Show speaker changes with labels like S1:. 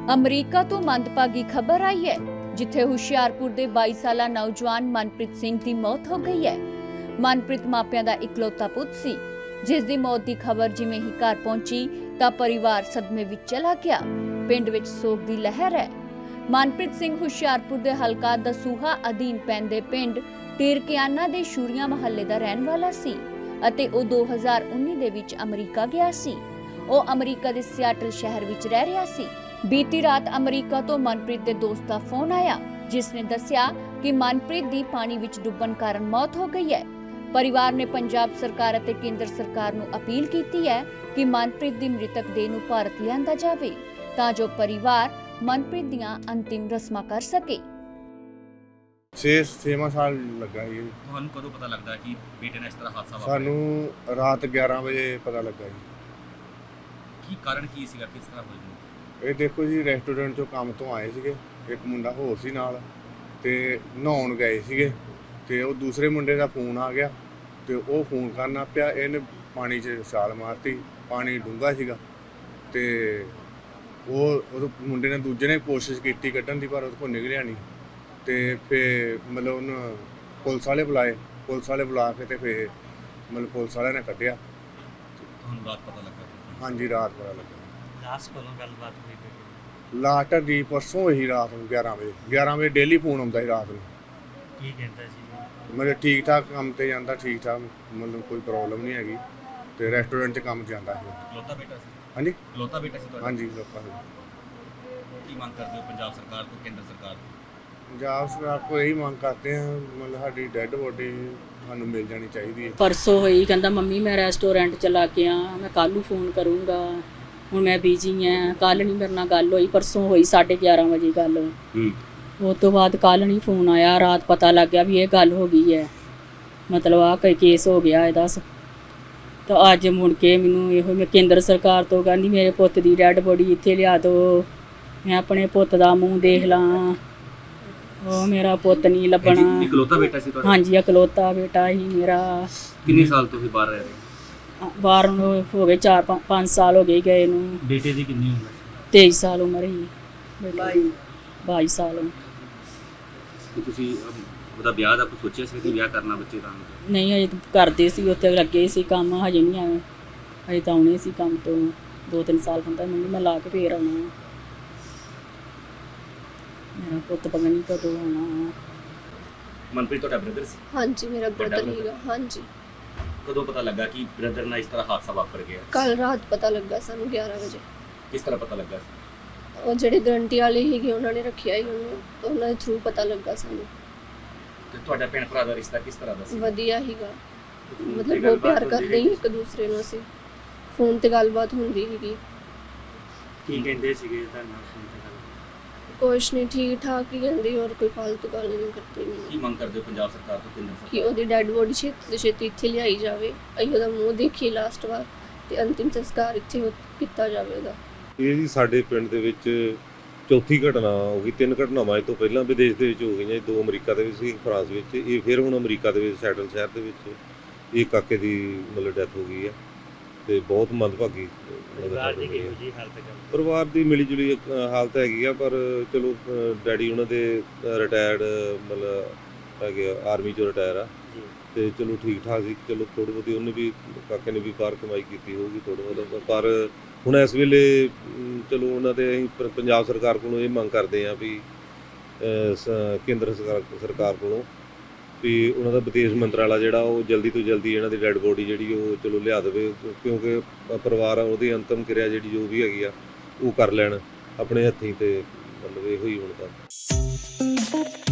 S1: America ਤੋਂ ਮੰਦਭਾਗੀ ਖਬਰ ਆਈ ਹੈ, ਜਿੱਥੇ ਹੁਸ਼ਿਆਰਪੁਰ ਦੇ 22 ਸਾਲਾ ਨੌਜਵਾਨ ਮਨਪ੍ਰੀਤ ਸਿੰਘ ਦੀ ਮੌਤ ਹੋ ਗਈ ਹੈ। ਮਨਪ੍ਰੀਤ ਮਾਪਿਆਂ ਦਾ ਇਕਲੌਤਾ ਪੁੱਤ ਸੀ, ਜਿਸ ਦੀ ਮੌਤ ਦੀ ਖਬਰ ਜਿਵੇਂ ਹੀ ਘਰ ਪਹੁੰਚੀ ਤਾਂ ਪਰਿਵਾਰ ਸਦਮੇ ਵਿੱਚ ਚਲਾ ਗਿਆ। ਪਿੰਡ ਵਿੱਚ ਸੋਗ ਦੀ ਲਹਿਰ ਹੈ। ਮਨਪ੍ਰੀਤ ਸਿੰਘ ਹੁਸ਼ਿਆਰਪੁਰ ਦੇ ਹਲਕਾ ਦਸੂਹਾ ਅਧੀਨ ਪੈਂਦੇ ਪਿੰਡ ਟੀਰਕਿਆਨਾ ਦੇ ਸ਼ੂਰੀਆ ਮਹੱਲੇ ਦਾ ਰਹਿਣ ਵਾਲਾ ਸੀ ਅਤੇ ਉਹ 2019 ਦੇ ਵਿੱਚ ਅਮਰੀਕਾ ਗਿਆ ਸੀ। ਉਹ ਅਮਰੀਕਾ ਦੇ ਸਿਆਟਲ ਸ਼ਹਿਰ ਵਿੱਚ ਰਹਿ ਰਿਹਾ ਸੀ। ਬੀਤੀ ਰਾਤ ਅਮਰੀਕਾ ਤੋਂ ਮਨਪ੍ਰੀਤ ਦੇ ਦੋਸਤ ਦਾ ਫੋਨ ਆਇਆ, ਜਿਸ ਨੇ ਦੱਸਿਆ ਕਿ ਮਨਪ੍ਰੀਤ ਦੀ ਪਾਣੀ ਵਿੱਚ ਡੁੱਬਣ ਕਾਰਨ ਮੌਤ ਹੋ ਗਈ ਹੈ। ਪਰਿਵਾਰ ਨੇ ਪੰਜਾਬ ਸਰਕਾਰ ਅਤੇ ਕੇਂਦਰ ਸਰਕਾਰ ਨੂੰ ਅਪੀਲ ਕੀਤੀ ਹੈ ਕਿ ਮਨਪ੍ਰੀਤ ਦੀ ਮ੍ਰਿਤਕ ਦੇਹ ਨੂੰ ਭਾਰਤ ਲਿਆਂਦਾ ਜਾਵੇ ਤਾਂ ਜੋ ਪਰਿਵਾਰ ਮਨਪ੍ਰੀਤ ਦੀਆਂ ਅੰਤਿਮ ਰਸਮਾਂ ਕਰ ਸਕੇ।
S2: 6 ਸਾਲ ਲੱਗਾ ਜੀ।
S3: ਤੁਹਾਨੂੰ ਕਦੋਂ ਪਤਾ ਲੱਗਦਾ ਕਿ ਬੇਟੇ ਨਾਲ ਇਸ ਤਰ੍ਹਾਂ ਹਾਦਸਾ ਵਾਪਰਿਆ?
S2: ਸਾਨੂੰ ਰਾਤ 11 ਵਜੇ ਪਤਾ ਲੱਗਾ ਜੀ।
S3: ਕੀ ਕਾਰਨ ਕੀ ਸੀਗਾ, ਕਿਸ ਤਰ੍ਹਾਂ ਹੋਈ?
S2: ਇਹ ਦੇਖੋ ਜੀ, ਰੈਸਟੋਰੈਂਟ ਚੋਂ ਕੰਮ ਤੋਂ ਆਏ ਸੀਗੇ, ਇੱਕ ਮੁੰਡਾ ਹੋਰ ਸੀ ਨਾਲ ਤੇ ਨਹਾਉਣ ਗਏ ਸੀਗੇ ਤੇ ਉਹ ਦੂਸਰੇ ਮੁੰਡੇ ਦਾ ਫੋਨ ਆ ਗਿਆ ਤੇ ਉਹ ਫੋਨ ਕਰਨਾ ਪਿਆ। ਇਹਨੇ ਪਾਣੀ 'ਚ ਛਾਲ ਮਾਰਤੀ, ਪਾਣੀ ਡੂੰਘਾ ਸੀਗਾ ਤੇ ਉਹ ਮੁੰਡੇ ਨੇ ਦੂਜੇ ਨੇ ਕੋਸ਼ਿਸ਼ ਕੀਤੀ ਕੱਢਣ ਦੀ, ਪਰ ਉਹਦੇ ਕੋਲ ਨਿਕਲਿਆ ਨਹੀਂ ਤੇ ਫਿਰ ਮਤਲਬ ਉਹਨੂੰ ਪੁਲਿਸ ਵਾਲੇ ਬੁਲਾਏ। ਪੁਲਿਸ ਵਾਲੇ ਬੁਲਾ ਕੇ ਤੇ ਫਿਰ ਮਤਲਬ ਪੁਲਿਸ ਵਾਲਿਆਂ ਨੇ ਕੱਢਿਆ।
S3: ਤੁਹਾਨੂੰ ਰਾਤ ਪਤਾ ਲੱਗਾ?
S2: ਹਾਂਜੀ, ਰਾਤ ਪਤਾ ਲੱਗਾ।
S3: ਲਾਸਟ ਕੋਲੋਂ ਗੱਲਬਾਤ ਹੋਈ?
S2: ਲਾਸਟ ਦੀ ਪਰਸੋਂ ਹੋਈ ਰਾਤ ਨੂੰ 11 ਵਜੇ ਡੇਲੀ ਫੋਨ ਆਉਂਦਾ ਸੀ ਰਾਤ ਨੂੰ।
S3: ਕੀ ਕਹਿੰਦਾ ਸੀ?
S2: ਮਤਲਬ ਠੀਕ ਠਾਕ ਕੰਮ ਤੇ ਜਾਂਦਾ, ਠੀਕ ਠਾਕ, ਮਤਲਬ ਕੋਈ ਪ੍ਰੋਬਲਮ ਨਹੀਂ ਹੈਗੀ ਤੇ ਰੈਸਟੋਰੈਂਟ 'ਚ ਕੰਮ ਜਾਂਦਾ ਸੀ।
S3: ਇਕਲੌਤਾ ਬੇਟਾ ਸੀ?
S2: ਹਾਂਜੀ,
S3: ਇਕਲੌਤਾ ਬੇਟਾ ਸੀ ਤੁਹਾਡਾ?
S2: ਹਾਂਜੀ। ਲੋਕਾਂ ਨੂੰ
S3: ਕੀ ਮੰਗ ਕਰਦੇ ਹੋ ਪੰਜਾਬ ਸਰਕਾਰ ਤੋਂ, ਕੇਂਦਰ ਸਰਕਾਰ ਤੋਂ?
S2: ਪੰਜਾਬ ਸਰਕਾਰ ਕੋਲ ਇਹੀ ਮੰਗ ਕਰਦੇ ਹਾਂ, ਮਤਲਬ ਸਾਡੀ ਡੈੱਡ ਬੋਡੀ ਸਾਨੂੰ ਮਿਲ ਜਾਣੀ ਚਾਹੀਦੀ ਹੈ।
S4: ਪਰਸੋਂ ਹੋਈ, ਕਹਿੰਦਾ ਮੰਮੀ ਮੈਂ ਰੈਸਟੋਰੈਂਟ ਚਲਾ ਕੇ ਆ, ਮੈਂ ਕੱਲ੍ਹ ਨੂੰ ਫੋਨ ਕਰੂੰਗਾ, ਹੁਣ ਮੈਂ ਬਿਜੀ ਹਾਂ, ਕੱਲ੍ਹ ਨਹੀਂ ਮੇਰੇ ਨਾਲ ਗੱਲ ਹੋਈ। ਪਰਸੋਂ ਹੋਈ 11:30 ਵਜੇ ਗੱਲ। ਉਸ ਤੋਂ ਬਾਅਦ ਕੱਲ੍ਹ ਨਹੀਂ ਫੋਨ ਆਇਆ। ਰਾਤ ਪਤਾ ਲੱਗ ਗਿਆ ਵੀ ਇਹ ਗੱਲ ਹੋ ਗਈ ਹੈ, ਮਤਲਬ ਆਹ ਕੋਈ ਕੇਸ ਹੋ ਗਿਆ ਇਹਦਾ। ਤਾਂ ਅੱਜ ਮੁੜ ਕੇ ਮੈਨੂੰ ਇਹੋ ਮੈਂ ਕੇਂਦਰ ਸਰਕਾਰ ਤੋਂ ਕਹਿੰਦੀ ਮੇਰੇ ਪੁੱਤ ਦੀ ਡੈਡ ਬੋਡੀ ਇੱਥੇ ਲਿਆ ਦਿਓ, ਮੈਂ ਆਪਣੇ ਪੁੱਤ ਦਾ ਮੂੰਹ ਦੇਖ ਲਾਂ। ਉਹ ਮੇਰਾ ਪੁੱਤ ਨਹੀਂ ਲੱਭਣਾ।
S3: ਇਕਲੌਤਾ ਬੇਟਾ ਸੀ ਤੁਹਾਡਾ?
S4: ਹਾਂਜੀ, ਇਕਲੌਤਾ ਬੇਟਾ ਹੀ ਮੇਰਾ।
S3: ਕਿੰਨੇ ਸਾਲ ਤੋਂ ਬਾਹਰ ਰਹਿ ਰਹੇ?
S4: ਬਾਹਰ ਨੂੰ ਹੋ ਗਏ 4-5 ਸਾਲ ਹੋ ਗਏ ਗਏ ਨੂੰ।
S3: ਬੇਟੇ ਦੀ ਕਿੰਨੀ ਉਮਰ?
S4: 23 ਸਾਲ ਉਮਰ ਹੀ। 22 ਸਾਲ।
S3: ਕਿ ਤੁਸੀਂ ਉਹਦਾ ਵਿਆਹ ਦਾ ਕੁਝ ਸੋਚਿਆ ਸੀ ਕਿ ਵਿਆਹ ਕਰਨਾ ਬੱਚੇ ਦਾ?
S4: ਨਹੀਂ, ਹਜੇ ਕਰਦੇ ਸੀ, ਉੱਥੇ ਲੱਗੇ ਸੀ ਕੰਮ, ਹਜੇ ਨਹੀਂ ਆਏ। ਹਜੇ ਤਾਂ ਆਉਣੇ ਸੀ ਕੰਮ ਤੋਂ 2-3 ਸਾਲ ਹੁੰਦਾ। ਮੰਮੀ ਮੈਂ ਲਾ ਕੇ ਫੇਰ ਆਉਣਾ, ਮੇਰਾ ਪੁੱਤ ਪਤਾ ਨਹੀਂ ਕਦੋਂ ਆਉਣਾ।
S3: ਮਨਪ੍ਰੀਤ ਤੁਹਾਡਾ ਬ੍ਰਦਰ ਸੀ?
S5: ਹਾਂਜੀ, ਮੇਰਾ ਬ੍ਰਦਰ ਹੀਗਾ। ਹਾਂਜੀ।
S3: ਕਦੋਂ ਪਤਾ ਲੱਗਾ ਕਿ ਬ੍ਰਦਰ ਨਾਲ ਇਸ ਤਰ੍ਹਾਂ ਹਾਦਸਾ ਵਾਪਰ ਗਿਆ?
S5: ਕੱਲ ਰਾਤ ਪਤਾ ਲੱਗਾ ਸਾਨੂੰ 11 ਵਜੇ।
S3: ਕਿਸ ਤਰ੍ਹਾਂ ਪਤਾ ਲੱਗਾ?
S5: ਉਹ ਜਿਹੜੇ ਗਰੰਟੀ ਵਾਲੇ ਸੀਗੇ ਉਹਨਾਂ ਨੇ ਰੱਖਿਆ ਹੀ ਉਹਨੂੰ, ਤਾਂ ਉਹਨਾਂ ਦੇ ਥਰੂ ਪਤਾ ਲੱਗਾ ਸਾਨੂੰ।
S3: ਤੇ ਤੁਹਾਡਾ ਭੈਣ ਭਰਾ ਦਾ ਰਿਸ਼ਤਾ ਕਿਸ ਤਰ੍ਹਾਂ ਦਾ ਸੀ?
S5: ਵਧੀਆ ਹੀਗਾ, ਮਤਲਬ ਬਹੁਤ ਪਿਆਰ ਕਰਦੇ ਸੀ ਇੱਕ ਦੂਸਰੇ ਨੂੰ। ਅਸੀਂ ਫੋਨ ਤੇ ਗੱਲਬਾਤ ਹੁੰਦੀ ਸੀਗੀ।
S3: ਕੀ ਕਹਿੰਦੇ ਸੀਗੇ ਤੁਹਾਨੂੰ?
S5: ਕੁਛ ਨਹੀਂ, ਠੀਕ ਠਾਕ ਹੀ ਕਹਿੰਦੇ, ਹੋਰ ਕੋਈ ਫालतू ਗੱਲ ਨਹੀਂ ਕਰਦੇ।
S3: ਕੀ ਮੰਗ ਕਰਦੇ ਹੋ ਪੰਜਾਬ ਸਰਕਾਰ ਤੋਂ, ਕੇਂਦਰ
S5: ਕਿ
S3: ਸਰਕਾਰ?
S5: ਉਹਦੀ ਡੈਡ ਬੋਡੀ ਛੇਤੀ ਤੋਂ ਛੇਤੀ ਇੱਥੇ ਲਿਆਈ ਜਾਵੇ, ਅਸੀਂ ਉਹਦਾ ਮੂੰਹ ਦੇਖੀਏ ਲਾਸਟ ਵਾਰ, ਤੇ ਅੰਤਿਮ ਸੰਸਕਾਰ ਇੱਥੇ ਕੀਤਾ ਜਾਵੇ ਉਹਦਾ।
S6: ਇਹ ਜੀ ਸਾਡੇ ਪਿੰਡ ਦੇ ਵਿੱਚ ਚੌਥੀ ਘਟਨਾ ਹੋ ਗਈ। 3 ਘਟਨਾਵਾਂ ਇਹ ਤੋਂ ਪਹਿਲਾਂ ਵਿਦੇਸ਼ ਦੇ ਵਿੱਚ ਹੋ ਗਈਆਂ। 2 ਅਮਰੀਕਾ ਦੇ ਵਿੱਚ ਸੀ, ਫਰਾਂਸ ਵਿੱਚ। ਇਹ ਫਿਰ ਹੁਣ ਅਮਰੀਕਾ ਦੇ ਵਿੱਚ ਸੈਟਲ ਸ਼ਹਿਰ ਦੇ ਵਿੱਚ ਇਹ ਕਾਕੇ ਦੀ ਮਤਲਬ ਡੈਥ ਹੋ ਗਈ ਹੈ ਤੇ ਬਹੁਤ ਮੰਦਭਾਗੀ। ਪਰਿਵਾਰ ਦੀ ਮਿਲੀ ਜੁਲੀ ਹਾਲਤ ਹੈਗੀ ਆ, ਪਰ ਚਲੋ ਡੈਡੀ ਉਹਨਾਂ ਦੇ ਰਿਟਾਇਰਡ ਮਤਲਬ ਹੈਗੇ, ਆਰਮੀ 'ਚੋਂ ਰਿਟਾਇਰ ਆ ਤੇ ਚਲੋ ਠੀਕ ਠਾਕ ਸੀ। ਚਲੋ ਥੋੜ੍ਹੀ ਬਹੁਤੀ ਉਹਨੇ ਵੀ, ਕਾਕੇ ਨੇ ਵੀ ਬਾਹਰ ਕਮਾਈ ਕੀਤੀ ਹੋਊਗੀ ਥੋੜ੍ਹਾ ਬਹੁਤਾ, ਪਰ ਹੁਣ ਇਸ ਵੇਲੇ ਚਲੋ ਉਹਨਾਂ ਦੇ ਅਸੀਂ ਪੰਜਾਬ ਸਰਕਾਰ ਕੋਲੋਂ ਇਹ ਮੰਗ ਕਰਦੇ ਹਾਂ ਵੀ ਕੇਂਦਰ ਸਰਕਾਰ ਕੋਲੋਂ ਵੀ ਉਹਨਾਂ ਦਾ ਵਿਦੇਸ਼ ਮੰਤਰਾਲਾ ਜਿਹੜਾ ਉਹ ਜਲਦੀ ਤੋਂ ਜਲਦੀ ਇਹਨਾਂ ਦੀ ਡੈਡ ਬੋਡੀ ਜਿਹੜੀ ਉਹ ਚਲੋ ਲਿਆ ਦੇਵੇ, ਕਿਉਂਕਿ ਪਰਿਵਾਰ ਉਹਦੀ ਅੰਤਮ ਕਿਰਿਆ ਜਿਹੜੀ ਜੋ ਵੀ ਹੈਗੀ ਆ ਉਹ ਕਰ ਲੈਣ ਆਪਣੇ ਹੱਥੀਂ। ਤੇ ਮਤਲਬ ਇਹੋ ਹੀ ਹੁਣ ਤਾਂ।